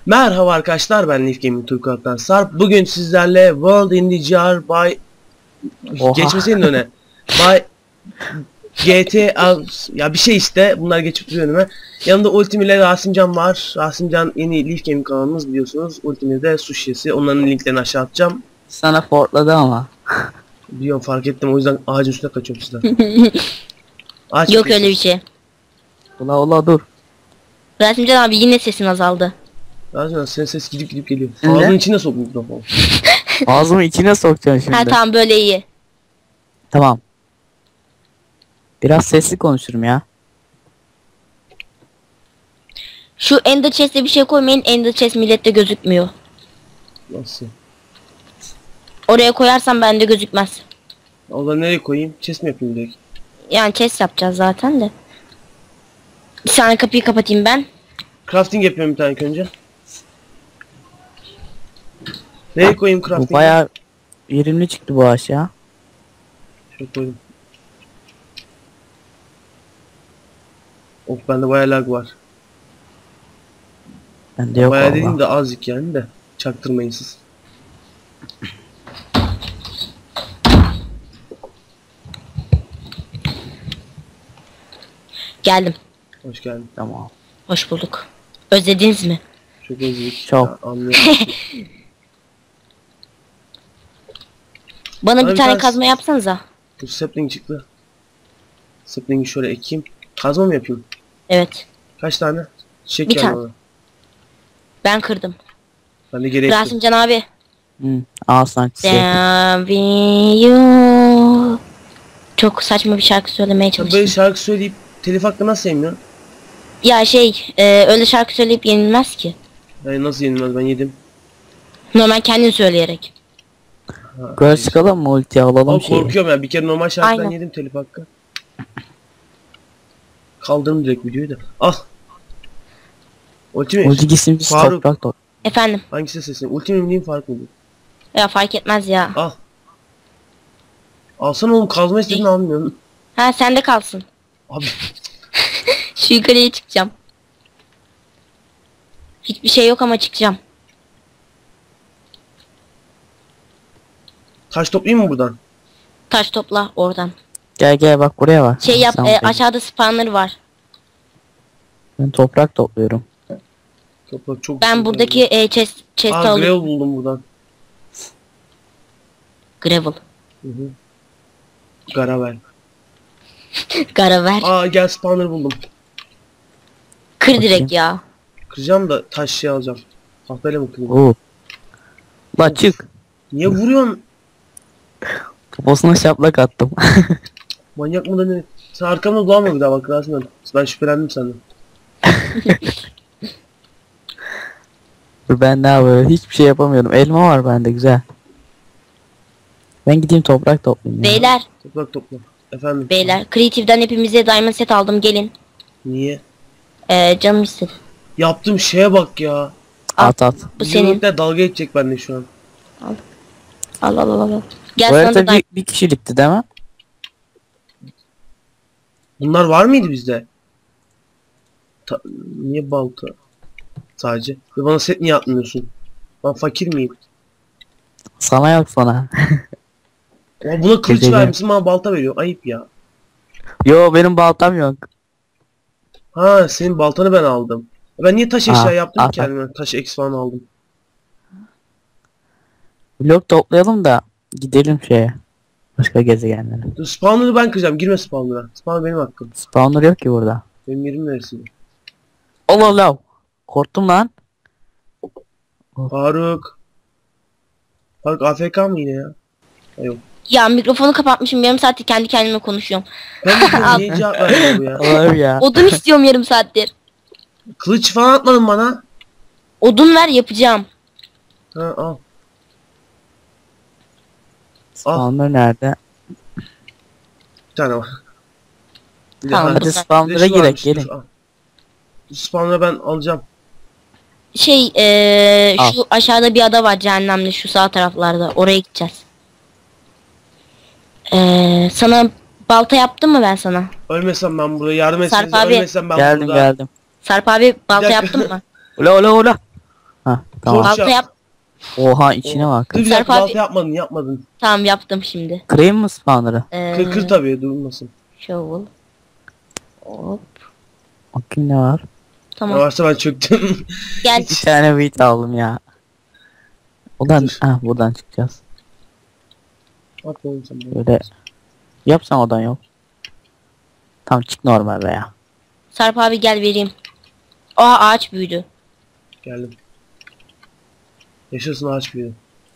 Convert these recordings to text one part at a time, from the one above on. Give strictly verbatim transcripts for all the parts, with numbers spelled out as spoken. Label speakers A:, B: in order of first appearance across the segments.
A: Merhaba arkadaşlar, ben Leaf Gaming Turkuat'tan Sarp. Bugün sizlerle World in the Jar by geçmeseydin öne. By G T A ya bir şey işte, bunlar geçip duruyor önüme. Yanımda Ultim ile Rasimcan var. Rasimcan yeni Leaf Gaming kanalımız biliyorsunuz. Ultim'de de Sushi'si. Onların linklerini aşağı atacağım.
B: Sana fortladı ama.
A: Biliyorum, fark ettim, o yüzden ağacın üstüne kaçıyorum sizden. Ağaç
C: Yok öyle bir şey.
B: Ula ula dur.
C: Rasimcan abi yine sesin azaldı.
A: Rasimcan senin ses gidip gidip geliyor.
B: Ne?
A: Ağzının içine sok mikrofonu.
B: Ağzımı içine sokacaksın şimdi.
C: Ha tamam, böyle iyi.
B: Tamam. Biraz sesli konuşurum ya.
C: Şu Ender Chest'e bir şey koymayın. Ender Chest millette gözükmüyor.
A: Nasıl?
C: Oraya koyarsam bende gözükmez.
A: O zaman nereye koyayım? Chest mi yapayım direkt?
C: Yani chest yapacağız zaten de. Bir saniye, kapıyı kapatayım ben.
A: Crafting yapıyorum bir tane ilk önce. Nereye koyayım
B: Bu
A: crafting'i?
B: bayağı verimli çıktı bu ağaç ya.
A: Şöyle koydum. Of, bende bayağı lag var.
B: Bende yok
A: Bayağı
B: valla.
A: dediğim de azıcık yani de. Çaktırmayın siz.
C: Geldim.
A: Hoş geldin.
B: Tamam.
C: Hoş bulduk. Özlediniz mi?
A: Çok özledik.
B: Çok.
A: Ya, anlıyorum.
C: Bana
A: Abi
C: bir tane
A: ben-
C: kazma yapsanıza.
A: Bu sapling çıktı. Sapling'i şöyle ekeyim. Kazma mı yapayım?
C: Evet.
A: Kaç tane? Çiçek
C: Bir
A: geldi
C: tane.
A: bana.
C: Ben kırdım.
A: Ben de geri ektim.
C: Rasimcan abi.
B: Hı. Al sana çiçeği.
C: Damn you. Çok saçma bir şarkı söylemeye
A: Sen böyle
C: çalıştım.
A: şarkı söyleyip telif hakkı nasıl yemiyorsun?
C: Ya şey, e, öyle şarkı söyleyip yenilmez ki.
A: Yani nasıl yenilmez, ben yedim.
C: Normal kendin söyleyerek.
A: Ha,
B: Yukarı çıkalım mı, ulti alalım
A: Ama
B: şeyi.
A: korkuyorum ya, bir kere normal şarkıdan
C: Aynen.
A: yedim telif hakkı. Kaldırdım direkt videoyu da. Al. Ultimate.
B: Ulti gitsin biz
A: Faruk.
B: toprak top.
C: Efendim.
A: Hangisi sesin? Ultimate mi diyeyim, fark mı diyeyim?
C: Ya fark etmez ya.
A: Al. Alsana oğlum, kazma istedin almıyorum.
C: Ha, sende kalsın.
A: Abi
C: Şu yukarıya çıkacağım. Hiçbir şey yok ama çıkacağım.
A: taş toplayayım mı buradan?
C: Taş topla oradan.
B: Gel gel bak buraya bak.
C: Şey yap,
B: Sen
C: e,
B: buraya.
C: aşağıda spawner var.
B: Ben toprak topluyorum.
A: Toprak çok
C: Ben
A: güzel
C: buradaki
A: oldu.
C: e, chest, chest'i
A: Aa, gravel
C: alıyorum.
A: buldum buradan.
C: Gravel.
A: Hı hı. Gravel.
C: Garaver.
A: Aa, gel spawner buldum.
C: Kır direkt ya.
A: Kıracağım da taş şey alacağım. Tahtayla mı kırayım?
B: Oo. La çık.
A: Niye vuruyorsun?
B: Poposuna şaplak attım.
A: Manyak mı da ne? Sen arkamda dolanma bir daha bak Rasim'den. Ben şüphelendim senden.
B: Dur ben ne yapıyorum? Hiçbir şey yapamıyorum. Elma var bende güzel. Ben gideyim toprak toplayayım ya.
C: Beyler,
A: Toprak topla. Efendim?
C: beyler. Creative'den hepimize diamond set aldım, gelin.
A: Niye?
C: E, canım istedi.
A: Yaptığım şeye bak ya.
B: At at.
C: Bu senin.
A: Yürürlükler dalga geçecek bende şu an.
C: Al al al al. Gel
B: Bu
C: sana da
B: arada
C: diamond.
B: bir, bir kişilikti değil mi?
A: Bunlar var mıydı bizde? Ta niye balta? Sadece. Ve bana set niye atmıyorsun? Ben fakir miyim?
B: Sana yok sana.
A: Ama buna kılıç
B: Gece-
A: vermişsin, bana balta veriyor. Ayıp ya.
B: Yo benim baltam yok.
A: Ha, senin baltanı ben aldım. Ben niye taş eşya
B: Aa,
A: yaptım
B: aa,
A: ki kendime? Taş X falan aldım.
B: Blok toplayalım da gidelim şeye. Başka gezegenlere.
A: Dur, spawner'ı ben kıracağım. Girme spawner'a. Spawner benim hakkım.
B: Spawner yok ki burada.
A: Benim yerim neresi?
B: Allah Allah. Korktum lan.
A: Faruk. Faruk A F K mı yine ya? Ha, yok.
C: Ya mikrofonu kapatmışım, yarım saattir kendi kendime konuşuyorum.
A: Ben de diyorum, niye cevap vermiyor bu ya?
B: Allah'ım ya.
C: Odun istiyorum yarım saattir.
A: Kılıç falan atmadın bana.
C: Odun ver, yapacağım.
A: Ha, al.
B: Spawner nerede?
A: Bir tane var. Bir de-
C: Tamam,
A: ha,
C: bu
B: Hadi
C: da-
A: bir de
B: spawner'a
A: şu
B: girek
A: varmış,
B: gelin.
A: dur, al. Bu spawner'ı ben alacağım.
C: Şey, eee
B: Al.
C: şu aşağıda bir ada var, cehennemli, şu sağ taraflarda. Oraya gideceğiz. Eee sana balta yaptım mı ben sana?
A: Ölmesem ben burada, yardım etseniz
C: Sarp abi.
A: ölmesem ben
B: Geldim
A: burada.
B: geldim.
C: Sarp abi, balta
A: dakika.
C: yaptın mı?
B: Ula ula ula. Tamam.
A: Torç
C: Balta
A: yap.
C: yap.
B: Oha içine bak.
A: Dur bir
C: Sarp
A: dakika,
C: abi-
A: balta yapmadın yapmadın.
C: Tamam yaptım şimdi.
B: Kırayım mı spawner'ı?
C: Ee,
A: Kır kır tabii durmasın.
C: Shovel. Hop.
B: Bakayım ne var.
A: Ne
C: Tamam.
A: varsa ben çöktüm.
C: Gel.
B: Bir tane wheat aldım ya. Ulan
A: Dur.
B: ah buradan çıkacağız.
A: At oğlum sen bunu.
B: Böyle yapsan odan yok. Tam çık normal be ya.
C: Sarp abi gel vereyim. Aa ağaç büyüdü.
A: Geldim. Yaşasın ağaç büyüdü.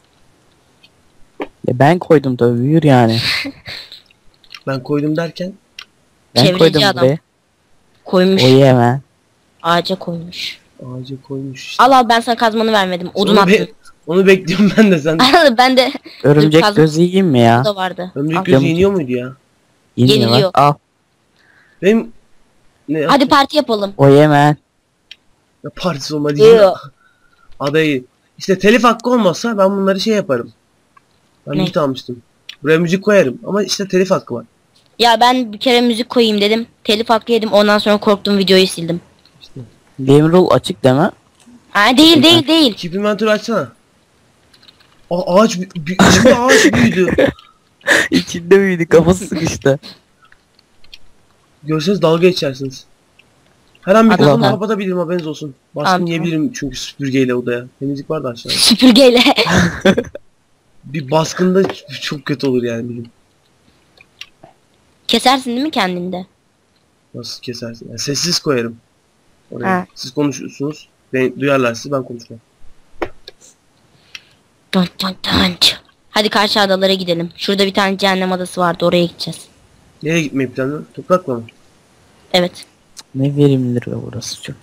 B: E ben koydum tabii büyür yani.
A: Ben koydum derken
B: Ben
C: Çevreci
B: koydum
C: adam.
B: buraya.
C: Koymuş.
B: O hemen.
C: Ağaca koymuş.
A: ağaca koymuş işte.
C: Al al ben sana kazmanı vermedim. Odun
A: Onu,
C: attım.
A: be- onu bekliyorum ben de sen.
C: Al ben de
B: Örümcek
C: kaz-
B: gözü yiyeyim mi ya?
C: da vardı.
A: Ömrük
C: Al.
A: gözü
B: Yamuk.
A: yeniyor muydu ya?
B: Yeniyor
C: Yeniliyor.
B: bak. Al.
A: Benim ne
C: Hadi parti yapalım.
B: O hemen.
A: ya partisi olmadı ya.
C: Yok.
A: Adayı. İşte telif hakkı olmasa ben bunları şey yaparım. Ben
C: Ne?
A: müzik almıştım. Buraya müzik koyarım ama işte telif hakkı var.
C: Ya ben bir kere müzik koyayım dedim. Telif hakkı yedim. Ondan sonra korktum videoyu sildim.
A: İşte.
B: Game rule açık deme.
C: Ha değil değil değil.
A: Keep inventory açsana. Aa, ağaç bü- bü- içinde ağaç büyüdü.
B: İçinde büyüdü kafası sıkıştı.
A: Görseniz dalga geçersiniz. Her an
C: Adam-
A: mikrofonu
B: Ulan.
A: kapatabilirim haberiniz olsun. Baskın
C: Tamam,
A: yiyebilirim çünkü süpürgeyle odaya. Temizlik var da aşağıda.
C: Süpürgeyle.
A: Bir baskında çok kötü olur yani bizim.
C: Kesersin değil mi kendinde?
A: Nasıl kesersin? Yani sessiz koyarım. Oraya.
C: Ha.
A: Siz konuşuyorsunuz. Ben, duyarlar sizi ben konuşmam.
C: Dun dun dun. Hadi karşı adalara gidelim. Şurada bir tane cehennem adası vardı. Oraya gideceğiz.
A: Nereye gitmeyi planlıyorsun? Toprakla mı?
C: Evet.
B: Ne verimlidir be burası çok.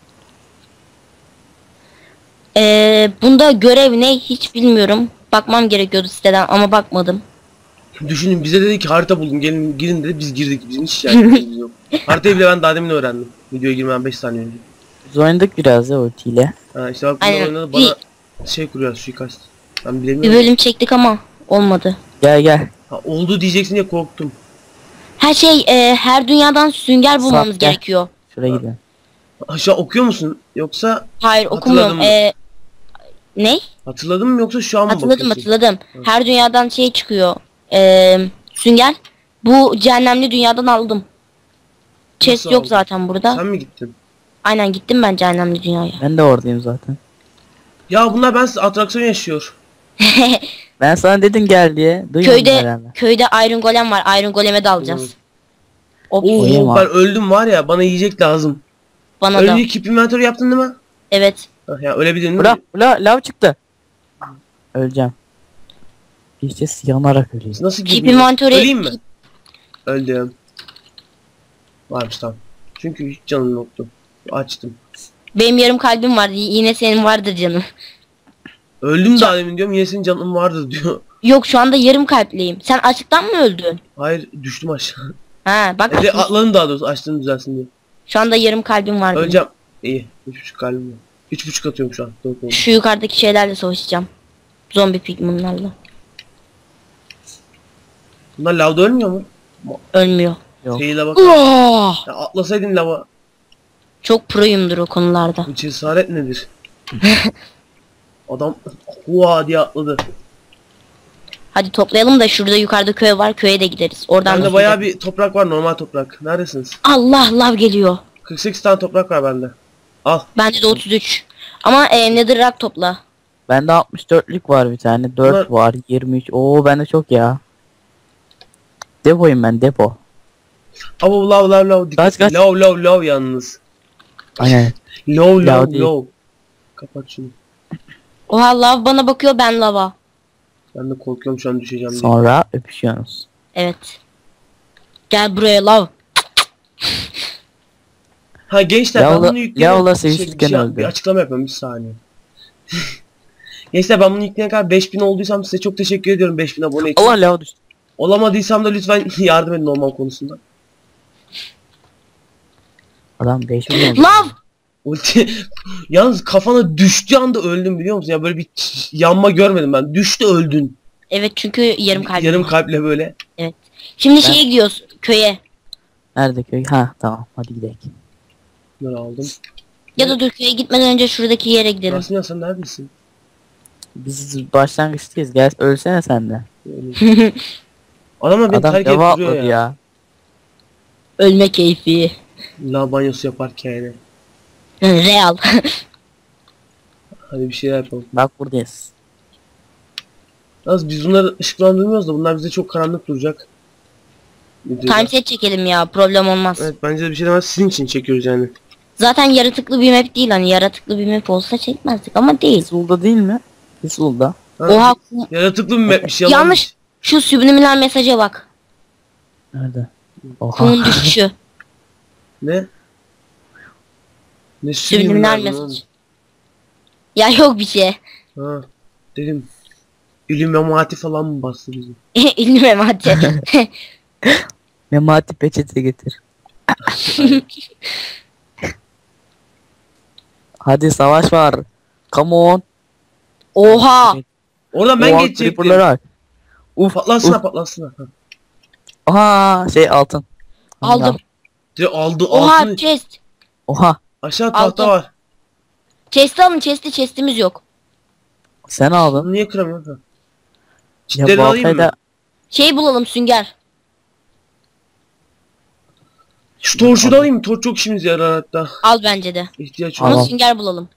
C: Ee, bunda görev ne hiç bilmiyorum. Bakmam gerekiyordu siteden ama bakmadım.
A: Düşünün bize dedi ki harita buldum gelin girin dedi biz girdik bizim hiç şikayetimiz yok. Haritayı bile ben daha demin öğrendim. Videoya girmem beş saniye önce.
B: Biz oynadık biraz ya ultiyle.
A: Ha işte bak bunlar
C: Aynen.
A: oynadı
C: Bir,
A: bana şey kuruyor suikast. Ben
C: bir
A: bilemiyorum.
C: bölüm çektik ama olmadı.
B: Gel gel.
A: Ha, oldu diyeceksin diye korktum.
C: Her şey e, her dünyadan sünger bulmamız
B: Sap, gel.
C: gerekiyor.
B: Şuraya gidelim.
A: Aşağı okuyor musun? Yoksa
C: Hayır
A: Hatırladın
C: okumuyorum.
A: mı?
C: E, ne?
A: hatırladın mı yoksa şu an mı
C: Hatırladım
A: bakıyorsun?
C: hatırladım. Her dünyadan şey çıkıyor. E, sünger. Bu cehennemli dünyadan aldım. Chest
A: Nasıl
C: yok
A: aldın?
C: zaten burada.
A: Sen mi gittin?
C: Aynen gittim ben cehennemli dünyaya.
B: Ben de oradayım zaten.
A: Ya bunlar ben atraksiyon yaşıyor.
B: Ben sana dedim gel diye. Duymadın
C: Köyde
B: herhalde.
C: köyde Iron Golem var. Iron Golem'e de alacağız. O
B: Koyayım
A: Oo
B: abi.
A: ben öldüm var ya bana yiyecek lazım.
C: bana da.
A: Önce keep inventory yaptın değil mi?
C: Evet.
A: Ha, ya ölebilirim değil
B: Bula
A: mi?
B: bula lav çıktı. Öleceğim. İşte yanarak öleyim.
A: Nasıl
C: Keep
A: gireyim?
C: inventory.
A: Öleyim mi? Öldüm. Varmış tamam. Çünkü hiç canım yoktu. Açtım.
C: Benim yarım kalbim var. Y- Yine senin vardır canım.
A: Öldüm daha demin diyorum yine senin canın vardı diyor.
C: Yok şu anda yarım kalpliyim. Sen açlıktan mı öldün?
A: Hayır düştüm aşağı.
C: Ha bak
A: E de
C: şu,
A: atladım daha doğrusu açtığını düzelsin diye.
C: şu anda yarım kalbim var. benim.
A: Öleceğim. İyi. Üç buçuk kalbim var. Üç buçuk atıyorum şu an. Dört oldu.
C: Şu yukarıdaki şeylerle savaşacağım. Zombi pigmanlarla.
A: Bunlar lavda ölmüyor mu?
C: Ölmüyor.
B: Yok.
A: Fail'e bak.
C: Oh!
A: Ya atlasaydın lava.
C: Çok proyumdur o konularda.
A: Bu cesaret nedir? Adam hua diye atladı.
C: Hadi toplayalım da şurada yukarıda köy var. Köye de gideriz. Oradan da
A: Bende bayağı bir toprak var normal toprak. Neredesiniz?
C: Allah lav geliyor.
A: kırk sekiz tane toprak var bende. Al.
C: Bende de otuz üç. Ama e, netherrack topla.
B: Bende altmış dörtlük var bir tane. dört
A: Bunlar-
B: var. yirmi üç. Oo bende çok ya. Depoyum ben depo.
A: Avo lav lav lav. Dikkat.
B: Kaç, kaç.
A: Lav lav lav yalnız.
B: Aynen.
A: Lav
B: Lav
A: lav
B: değil.
A: lav. Kapat şunu.
C: Oha lav bana bakıyor ben lava.
A: Ben de korkuyorum şu an düşeceğim diye.
B: Sonra öpüşüyorsunuz.
C: Evet. Gel buraya lav.
A: Ha gençler ben
B: Lavla-
A: bunu yükleyen
B: lavla
A: şey,
B: sevişirken
A: bir, şey,
B: öldü.
A: bir açıklama yapıyorum bir saniye. Gençler ben bunu yükleyene kadar beş bin olduysam size çok teşekkür ediyorum beş bin abone için.
B: Allah lav düştü.
A: Olamadıysam da lütfen yardım edin normal konusunda.
B: Adam beş milyon.
C: Lav!
A: Ulti yalnız kafana düştüğü anda öldüm biliyor musun? Ya böyle bir ç- yanma görmedim ben. Düştü öldün.
C: Evet çünkü yarım kalbim
A: Yarım
C: var.
A: kalple böyle.
C: Şimdi şeye gidiyoruz köye.
B: Nerede köy? Ha tamam hadi gidelim.
A: Bunları aldım.
C: Ya da dur köye gitmeden önce şuradaki yere gidelim.
A: Rasim ya sen neredesin?
B: Biz başlangıçtayız. Gel ölsene sen de.
A: Yani. Adamlar beni
B: Adam
A: terk edip
B: deva
A: duruyor
B: atladı
A: ya.
B: ya.
C: Ölme keyfi.
A: La banyosu yaparken yani.
C: Real.
A: Hadi bir şeyler yapalım.
B: Bak buradayız.
A: Az biz bunları ışıklandırmıyoruz da bunlar bize çok karanlık duracak. Videoda.
C: Timeset çekelim ya, problem olmaz.
A: Evet bence de bir şey demez, sizin için çekiyoruz yani.
C: Zaten yaratıklı bir map değil, hani yaratıklı bir map olsa çekmezdik ama değil.
B: Pisul'da değil mi? Pisul'da.
A: Ha,
C: Oha, kum-
A: yaratıklı bir mapmiş yalan.
C: yanlış. Şu subliminal mesaja bak.
B: Nerede? Oha.
C: Kumun düşüşü.
A: Ne? Ne
C: Subliminal
A: subliminal
C: mesaj. Ya yok bir şey.
A: Ha dedim. İlluminati falan mı bastı bizi?
C: İlmi memati.
B: Memati peçete getir. Hadi savaş var. Come on.
C: Oha.
A: Oradan ben
B: Oha,
A: geçecektim.
B: creeper'ları var. Uf
A: Patlasına
B: uf.
A: patlasına. Ha.
B: Aha şey altın.
C: Aldım.
A: Direkt aldı
C: Oha
A: altını.
C: chest.
B: Oha.
A: Aşağı tahta
C: Altın.
A: var.
C: Chest'i alın, chest'i chest'imiz yok.
B: Sen aldın.
A: Bunu niye kıramıyorsun? Ha.
B: Ya
A: Çitlerini alayım mı?
B: baltayla
C: Şey bulalım, sünger.
A: Şu torçu da alayım mı? Torç çok işimize yarar hatta.
C: Al bence de.
A: İhtiyaç
C: Ama
A: var.
B: Tamam.
C: sünger bulalım.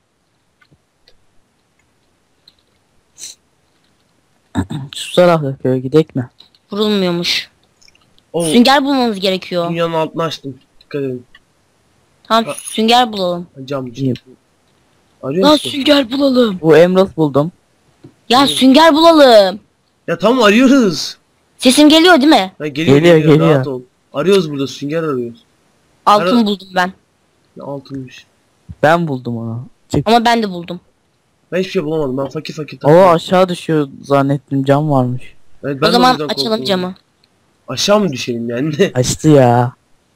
B: şu tarafta köye gidek mi?
C: Vurulmuyormuş.
A: Oo,
C: Sünger bulmamız gerekiyor.
A: dünyanın altını açtım. Dikkat edin.
C: Tamam,
A: Ha.
C: sünger bulalım.
A: Cam
B: İyi.
A: Arıyor
C: Lan
A: musun?
C: sünger bulalım.
B: Bu emerald buldum.
C: Ya sünger bulalım.
A: Ya tamam arıyoruz.
C: Sesim geliyor değil mi?
A: Ha, geliyor,
B: Geliyor,
A: geliyor
B: geliyor.
A: rahat ol. Arıyoruz burada sünger arıyoruz.
C: Altın
A: Ara-
C: buldum ben.
A: Ne altınmış.
B: Ben buldum onu. Çık.
C: Ama ben de buldum.
A: Ben hiçbir şey bulamadım. Ben fakir fakir
B: Oo
A: takılıyorum.
B: aşağı düşüyor zannettim cam varmış.
A: Evet, ben
C: O
A: de
C: zaman
A: yüzden
C: açalım
A: korktum.
C: camı.
A: Aşağı mı düşelim yani?
B: Açtı ya.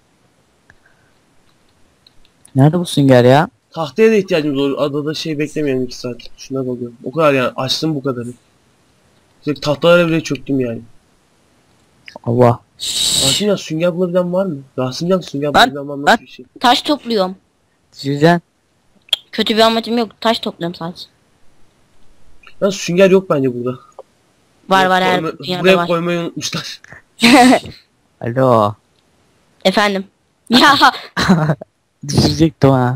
B: Nerede bu sünger ya?
A: Tahtaya da ihtiyacımız olur. Adada şey beklemeyelim iki saat. Şuna bakıyorum. O kadar yani. Açtım bu kadarı. Direkt tahtalara bile çöktüm yani.
B: Allah.
A: Rasimcan sünger bulabilen var mı? Rasimcan sünger
B: Lan,
A: bulabilen var mı? Nasıl
B: lan.
A: bir şey?
C: Taş topluyorum.
B: Süzen.
C: Kötü bir amacım yok. Taş topluyorum sadece.
A: Lan sünger yok bence burada.
C: Var
A: Buraya
C: var, her
A: koyma-
C: dünyada
A: Buraya
C: var.
A: koymayı unutmuşlar.
B: Alo.
C: Efendim. Ya
B: Düşürecektim ha.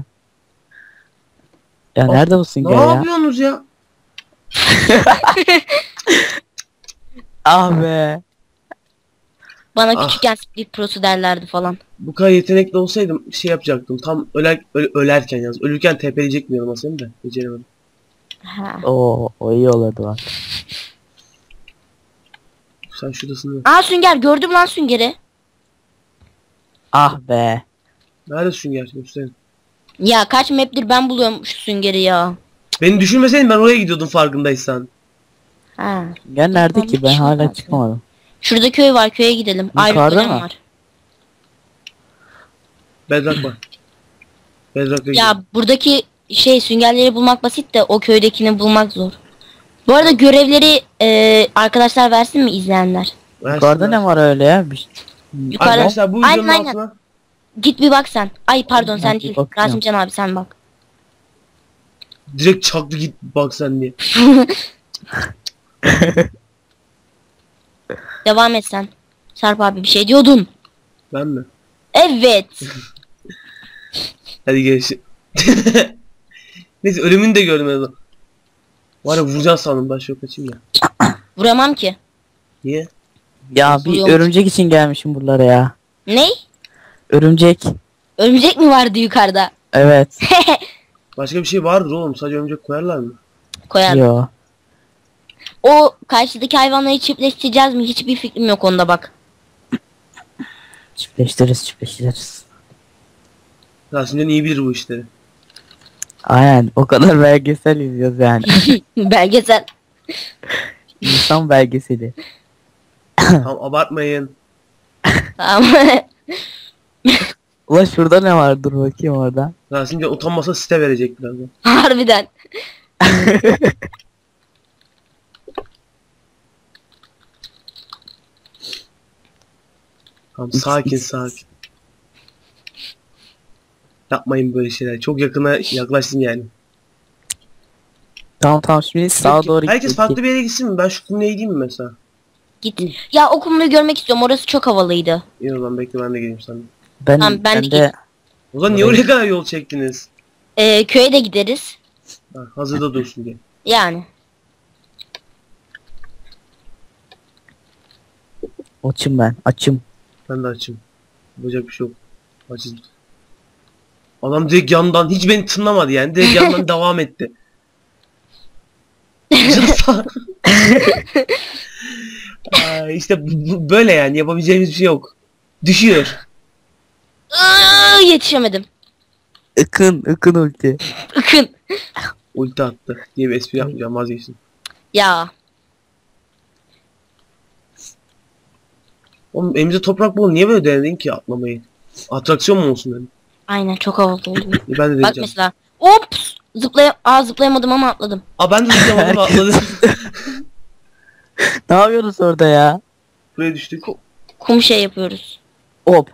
B: Ya
A: Of,
B: nerede bu
A: Ne
B: sünger ya?
A: yapıyorsunuz ya?
B: Ah be.
C: bana
A: Ah.
C: küçükken Split Pro'su derlerdi falan.
A: Bu kadar yetenekli olsaydım şey yapacaktım. Tam öler, öl- ölerken yalnız. Ölürken tepeleyecek mi yanıma seni de. Beceremedim.
C: Ha.
B: Oo o iyi olurdu bak.
A: Sen şuradasın.
C: Aa, sünger, gördüm lan süngeri.
B: Ah be.
A: Nerede sünger? Gösterin.
C: Ya kaç map'tir ben buluyorum şu süngeri ya.
A: Beni düşünmeseydin ben oraya gidiyordum farkındaysan.
C: Ha.
B: Sünger nerede ki? Ben
C: Hiç
B: hala
C: olmadı.
B: çıkamadım.
C: Şurada köy var, köye gidelim.
B: Yukarıda
C: Ayrı golem
B: mı?
C: var.
A: Bedrock var. Bedrock'a
C: Ya buradaki şey süngerleri bulmak basit de o köydekini bulmak zor. Bu arada görevleri e, arkadaşlar versin mi, izleyenler?
B: Yukarıda ne var öyle ya? Bir...
C: Yukarıda.
A: Arkadaşlar bu videonun
C: Aynen, aynen.
A: altına
C: Git bir bak sen. Ay pardon, sen
B: Ben bir
C: değil.
B: bakacağım.
C: Rasimcan abi sen bak.
A: direkt çaktı git bak sen diye.
C: Devam et sen. Sarp abi bir şey diyordun.
A: Ben mi?
C: Evet.
A: Hadi görüşürüz. Neyse ölümünü de görmedim. Var ya vuracağım sandım ben şöyle kaçayım ya.
C: Vuramam ki.
A: Niye?
B: Ya bir
C: Vuruyormuş.
B: örümcek için gelmişim buralara ya.
C: Ney?
B: Örümcek.
C: Örümcek mi vardı yukarıda?
B: Evet.
A: Başka bir şey vardır oğlum sadece örümcek koyarlar mı?
C: Koyar.
B: Yo.
C: O karşıdaki hayvanları çiftleştireceğiz mi? Hiçbir fikrim yok onda bak.
B: Çiftleştiririz çiftleştiririz.
A: Rasimcan iyi bilir bu işleri.
B: Aynen o kadar belgesel izliyoruz yani.
C: Belgesel.
B: İnsan belgeseli.
A: Tamam abartmayın.
C: Tamam.
B: Ulan şurada ne var? Dur bakayım orada.
A: Rasimcan utanmasa site verecek birazdan.
C: Harbiden.
A: Tamam sakin sakin. Yapmayın böyle şeyler. Çok yakına yaklaştın yani.
B: Tamam tamam şimdi sağa doğru
A: Herkes
B: git.
A: farklı bir yere gitsin mi? Ben şu kumluya gideyim mi mesela?
C: Git. Ya o kumluyu görmek istiyorum. Orası çok havalıydı.
A: İyi o zaman bekle ben de geleyim sana.
B: Ben,
C: Tamam, ben
B: ben
C: de
B: de
A: O zaman niye oraya kadar yol çektiniz?
C: Ee, köye de gideriz.
A: Ha, hazırda dursun diye.
C: Yani.
B: açım ben açım.
A: Ben de açım. Yapacak bir şey yok. Açız. Adam direkt yandan hiç beni tınlamadı yani. Direkt yandan devam etti. Aa, işte bu- bu- böyle yani yapabileceğimiz bir şey yok. Düşüyor.
C: Iıı, yetişemedim.
B: Ikın ıkın ulti.
C: Ikın.
A: Ulti attı diye bir espri yapmayacağım vazgeçtim.
C: Ya.
A: Oğlum elimizde toprak bol niye böyle denedin ki atlamayı? Atraksiyon mu olsun dedim.
C: Aynen çok havalı oldu.
A: E, ben de
C: Bak
A: deneyeceğim.
C: mesela. Ops. Zıplay Aa, zıplayamadım ama atladım.
A: Aa ben de zıplamadım atladım.
B: Ne yapıyorsunuz orada ya?
A: Buraya düştük.
C: Kum şey yapıyoruz.
B: Hop.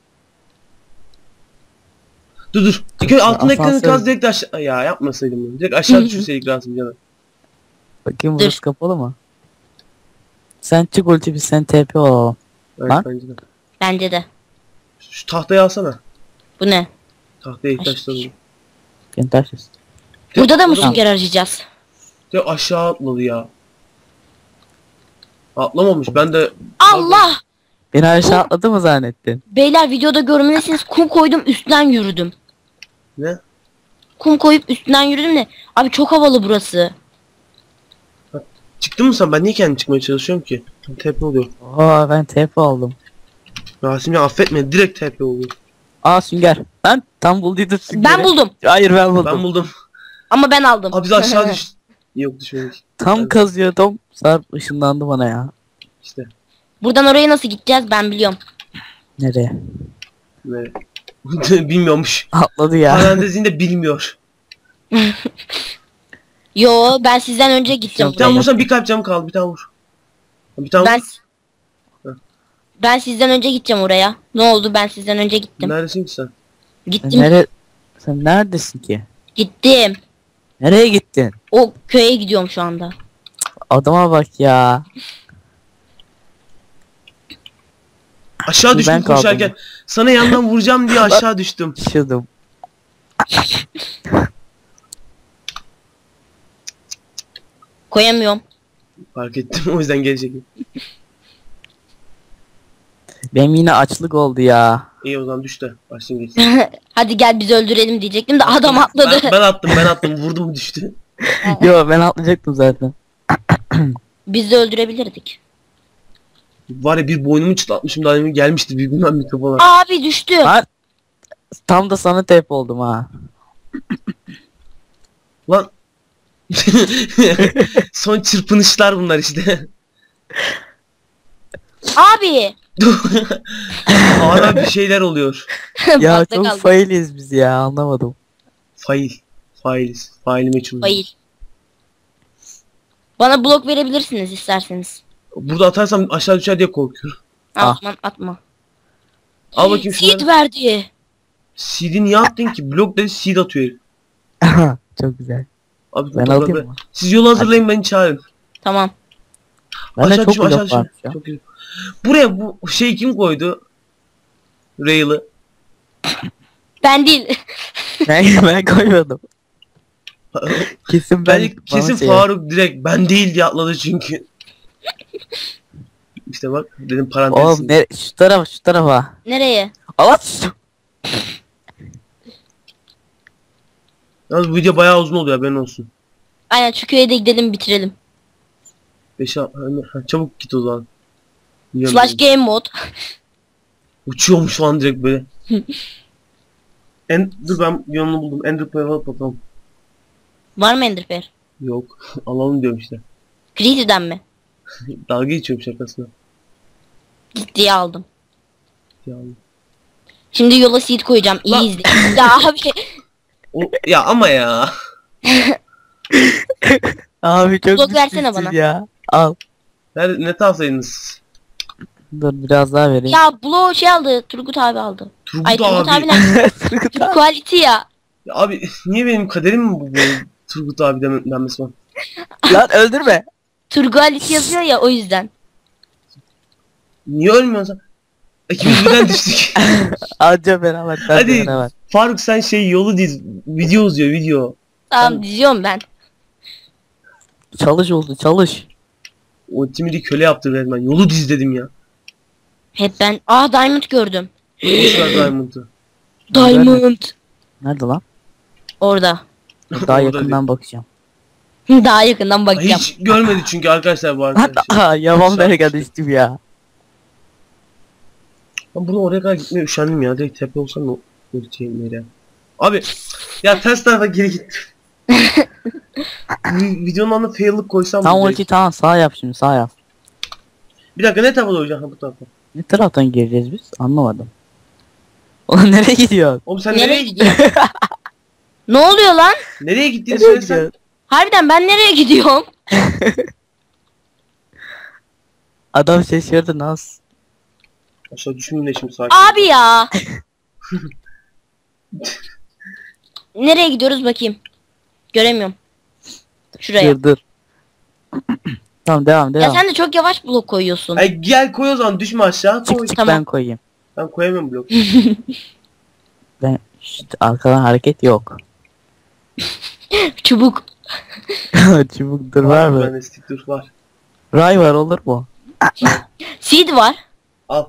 A: Dur dur. Dikkat altındaki
B: Asansör.
A: kaz direkt aşağı... Ya yapmasaydım bunu. Direkt aşağı düşürseydik lazım canım.
B: Bakayım
C: Dur.
B: burası kapalı mı? Sen çık ulti biz sen T P olalım.
A: Evet
B: Lan.
A: bence de.
C: Bence de.
A: Şu tahtayı alsana.
C: Bu ne?
A: Tahtaya ihtiyaçları var.
B: Gel taşız.
C: Burada da mı
A: Adam
C: sünger arayacağız?
A: direkt aşağı atladı ya. Atlamamış. Ben de...
C: Allah!
B: Beni aşağı atladı mı zannettin?
C: Beyler videoda görmelisiniz. Kum koydum üstünden yürüdüm.
A: Ne?
C: Kum koyup üstünden yürüdüm de. Abi çok havalı burası.
A: Çıktın mı sen? Ben niye kendim çıkmaya çalışıyorum ki? T P oluyor.
B: Oha ben T P oldum.
A: Rasim ya affetme. Direkt T P oluyor.
B: Aa sünger. Ben tam bulduydum süngeri.
C: Ben buldum.
B: Hayır ben buldum.
A: Ben buldum.
C: Ama ben aldım.
A: Abi biz aşağı düş... Yok düşmedik.
B: Tam
A: Ben-
B: kazıyordum. Sarp ışınlandı bana ya.
A: İşte.
C: Buradan oraya nasıl gideceğiz ben biliyorum.
B: Nereye?
A: Ne? Bilmiyormuş.
B: Atladı ya.
A: Parantezinde bilmiyor.
C: Yo ben sizden önce gideceğim
A: Bir tane
C: buraya.
A: vursan bir kalp canım kaldı. Bir tane vur. Bir tane
C: Ben
A: vur. Heh.
C: ben sizden önce gideceğim oraya. Ne oldu ben sizden önce gittim.
A: Neredesin ki sen?
B: Sen,
C: Gittim.
B: nere Sen neredesin ki?
C: Gittim.
B: Nereye gittin?
C: O köye gidiyorum şu anda.
B: Adama bak ya.
A: Aşağı
B: Ben
A: düştüm
B: kaldım.
A: koşarken. Sana yandan vuracağım diye aşağı düştüm.
B: Düşüyordum.
C: Koyamıyorum.
A: Fark ettim o yüzden gelecek.
B: Benim yine açlık oldu ya.
A: İyi o zaman düş de başlayın geçsin.
C: Hadi gel bizi öldürelim diyecektim de adam atladı.
A: Ben, ben attım ben attım vurdum düştü.
B: Yo ben atlayacaktım zaten.
C: Biz de öldürebilirdik.
A: Var ya bir boynumu çıtlatmışım daha demin gelmişti büyük bilmem mikrofona.
C: Abi düştü.
B: Lan tam da sana T P oldum ha.
A: Lan. Son çırpınışlar bunlar işte.
C: Abi.
A: Hala bir şeyler oluyor.
B: Ya
C: Bakta
B: çok
C: kaldım.
B: failiz biz ya anlamadım.
A: Fail. Failiz. Faili meçhul.
C: Fail. Bana blok verebilirsiniz isterseniz.
A: Burada atarsam aşağı düşer diye korkuyorum.
B: Ah.
C: Atma atma.
A: Al bakayım
C: Seed
A: şunları.
C: verdi.
A: Seed'i niye attın ki? Blok dedi seed atıyor herif.
B: Çok güzel.
A: Abi,
B: Ben
A: bu
B: alayım
A: toprakları-
B: mı?
A: Siz yolu hazırlayın beni çağırın.
C: Tamam.
B: Bende
A: Aşağı
B: çok
A: düşme, aşağı
B: blok
A: düşme.
B: varmış ya.
A: Çok iyi. Buraya bu şey kim koydu? Rail'ı.
C: Ben değil.
B: Ben, ben koymadım. Kesin ben.
A: Ben
B: bana
A: kesin
B: şey-
A: Faruk direkt ben değil diye atladı çünkü. İşte bak dedim parantez.
B: Oğlum ne şu tarafa şu tarafa.
C: Nereye?
B: Allah.
A: Yalnız bu video bayağı uzun oluyor haberin olsun.
C: Aynen şu köye de gidelim bitirelim.
A: Beş ha, çabuk git o zaman. Biliyorum
C: Slash
A: ben.
C: game mod.
A: Uçuyormuş şu an direkt böyle. En, dur ben yolunu buldum. Ender Pearl alıp bakalım.
C: Var mı Enderpearl?
A: Yok. Alalım diyorum işte.
C: Creative'den mi?
A: Dalga geçiyorum şakasına.
C: Ciddiye aldım.
A: Yani.
C: Şimdi yola seed koyacağım. İyi
A: Lan.
C: izleyin. Ya abi.
A: O, ya ama ya.
B: Abi çok
C: Blok versene
B: düşmüşsün
C: bana.
B: ya. Al.
A: Nerede, ne tavsiye ediniz?
B: Dur biraz daha vereyim.
C: Ya Blo şey aldı. Turgut abi aldı.
A: Turgut
C: Ay Turgut
A: abi.
C: abi ne? Turgut Quality ya.
A: Ya abi niye benim kaderim mi bu böyle Turgut abi deme- denmesi var?
B: Lan öldürme.
C: Turgut Quality yazıyor ya o yüzden.
A: Niye ölmüyorsun sen? İkimiz birden düştük.
B: Anca beraber. ben de
A: Hadi
B: beraber.
A: Faruk sen şey yolu diz. Video uzuyor video.
C: Tamam diziyorum ben.
B: Çalış oldu çalış.
A: O timidi köle yaptı resmen. Yolu diz dedim ya.
C: Hep ben. Aa Diamond gördüm.
A: Boş ver Diamond'ı.
C: Diamond.
B: Nerede lan?
C: Orada.
B: Daha
A: Orada
B: yakından bakacağım.
C: Daha yakından
A: değil.
C: bakacağım.
A: Hiç görmedi çünkü arkadaşlar bu
B: Lan
A: arkadaşlar.
B: aha yaban
A: Aşağı
B: nereye
A: düştü.
B: düştüm ya.
A: Ben bunu oraya kadar gitmeye üşendim ya. Direkt tepe olsam ne ultiyim nereye? Abi ya ters tarafa geri gittim. Videonun anına fail'lık koysam
B: Tam
A: mı
B: ulti
A: direkt?
B: tamam sağ yap şimdi sağ yap.
A: Bir dakika ne tarafa doğru? Ha bu tarafa.
B: Ne taraftan gireceğiz biz? Anlamadım. Oğlum nereye gidiyor?
A: Oğlum sen
C: Nereye
A: nereye gidiyorsun?
C: gidiyor? Ne oluyor lan?
A: Nereye gittiğini
B: Nereye
A: söylesen.
B: gidiyor?
C: Harbiden ben nereye gidiyorum?
B: Adam şaşırdı nasıl?
A: Aşağı düşmeyeyim de şimdi sakin.
C: Abi ya. Nereye gidiyoruz bakayım. Göremiyorum. Şuraya.
B: Dur dur. Tamam devam
C: Ya
B: devam.
C: sen de çok yavaş blok koyuyorsun.
A: Ay gel koy o zaman düşme aşağı koy.
B: Çık çık
C: Tamam.
B: ben koyayım.
A: Ben koyamıyorum blok.
B: Ben işte arkadan hareket yok.
C: Çubuk.
B: Çubuk dur var mı?
A: Bende stick dur var.
B: Ray var olur mu?
C: Seed var.
A: Al.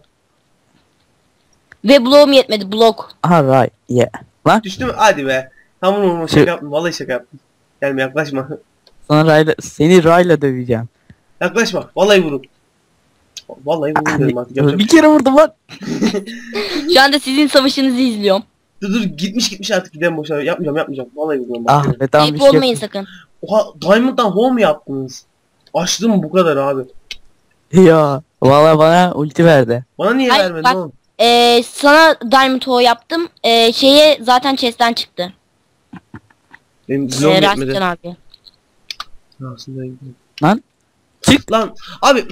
C: Ve bloğum yetmedi. Blok.
B: Aha ray. Yeah. Lan
A: Düştü mü? Hadi be. Tamam oğlum
B: Şey-
A: şaka yaptım. Vallahi şaka yaptım. Gelme yaklaşma.
B: sana rayla seni rayla döveceğim.
A: Yaklaşma. Vallahi vurun. Vallahi vurun dedim artık. Yapacak
B: Bir
A: bir şey
B: kere vurdum lan.
C: Şu anda sizin savaşınızı izliyorum.
A: Dur dur gitmiş gitmiş artık gidelim boşuna. Yapmayacağım yapmayacağım. Vallahi vuruyorum.
B: Ah
A: Bak.
B: be tamam bir
C: Ayıp
B: şey
C: olmayın
B: yok.
C: sakın.
A: Oha Diamond'dan home mu yaptınız? Açtım bu kadar abi.
B: Ya valla bana ulti verdi.
A: Bana niye
C: Hayır,
A: vermedin
C: bak-
A: oğlum?
C: Ee, sana Diamond Hoe yaptım. Ee, şeye zaten chest'ten çıktı.
A: Benim
C: Ee,
A: bloğum
C: Rastan
A: yetmedi.
C: abi.
A: Aslında gidiyorum.
B: Lan. Çık.
A: Lan abi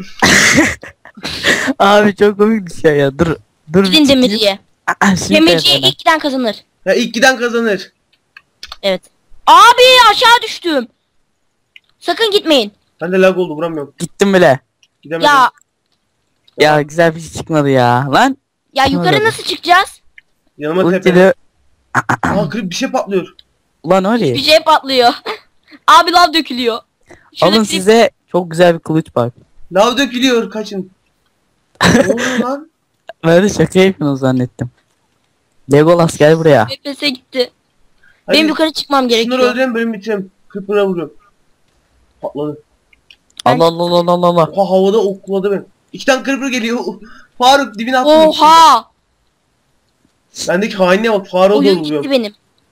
B: Abi çok komik bir şey ya. Dur. Dur. bir
C: Gidin
B: çıkayım.
C: demirciye.
B: Aa, şimdi
C: Demirciye
B: telefona.
C: ilk giden kazanır.
A: ya ilk giden kazanır.
C: Evet. Abi aşağı düştüm. Sakın gitmeyin.
A: Ben de lag oldu vuramıyorum.
B: Gittim bile.
A: Gidemedim.
C: Ya
B: Ya güzel bir şey çıkmadı ya. Lan.
C: ya yukarı
B: Öyle.
C: nasıl çıkacağız?
A: Yanıma tepe.
B: Ultili.
A: Aa grip bir şey patlıyor.
B: Ulan öyle.
C: Bir şey patlıyor. Abi lav dökülüyor. Şurada
B: Alın
C: bir şey-
B: size çok güzel bir kılıç bak.
A: Lav dökülüyor kaçın. Ne oluyor lan?
B: Ben de şaka yapıyorsunuz zannettim. Legolas gel buraya.
C: F P S gitti.
A: Hadi,
C: Benim yukarı çıkmam
A: Şunları
C: gerekiyor.
A: öldürelim bölüm bitireyim. Creeper'a vuruyorum. Patladı.
B: Allah Allah Allah Allah Allah.
A: Oha havada okladı beni. İki tane Creeper geliyor. Faruk dibine attım.
C: Oha!
A: Bendeki hainliğe bak Faruk'a
C: Oyun
A: doğru
C: gitti
A: vuruyorum.
C: benim.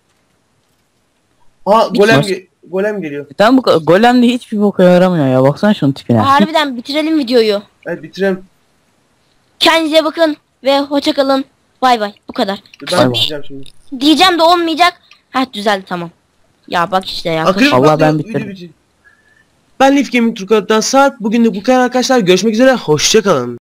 A: Aa golem,
B: Baş-
A: ge- golem geliyor.
B: Tam bu golemde hiçbir boka yaramıyor ya. Baksana şunun tipine.
C: Harbiden bitirelim videoyu.
A: Evet bitirelim.
C: Kendinize bakın ve hoşça kalın. Bay bay. Bu kadar.
A: Ben
B: Bay bay.
A: bitireceğim şimdi.
C: Diyeceğim de olmayacak. Heh düzeldi tamam. Ya bak işte ya.
A: Aa, Creeper
B: Allah,
A: patlıyor,
B: ben
A: video
B: bitirdim.
A: bitiyor. Ben Leaf Gaming Türk Adı'dan Sarp. Bugün de bu kadar arkadaşlar. Görüşmek üzere. Hoşça kalın.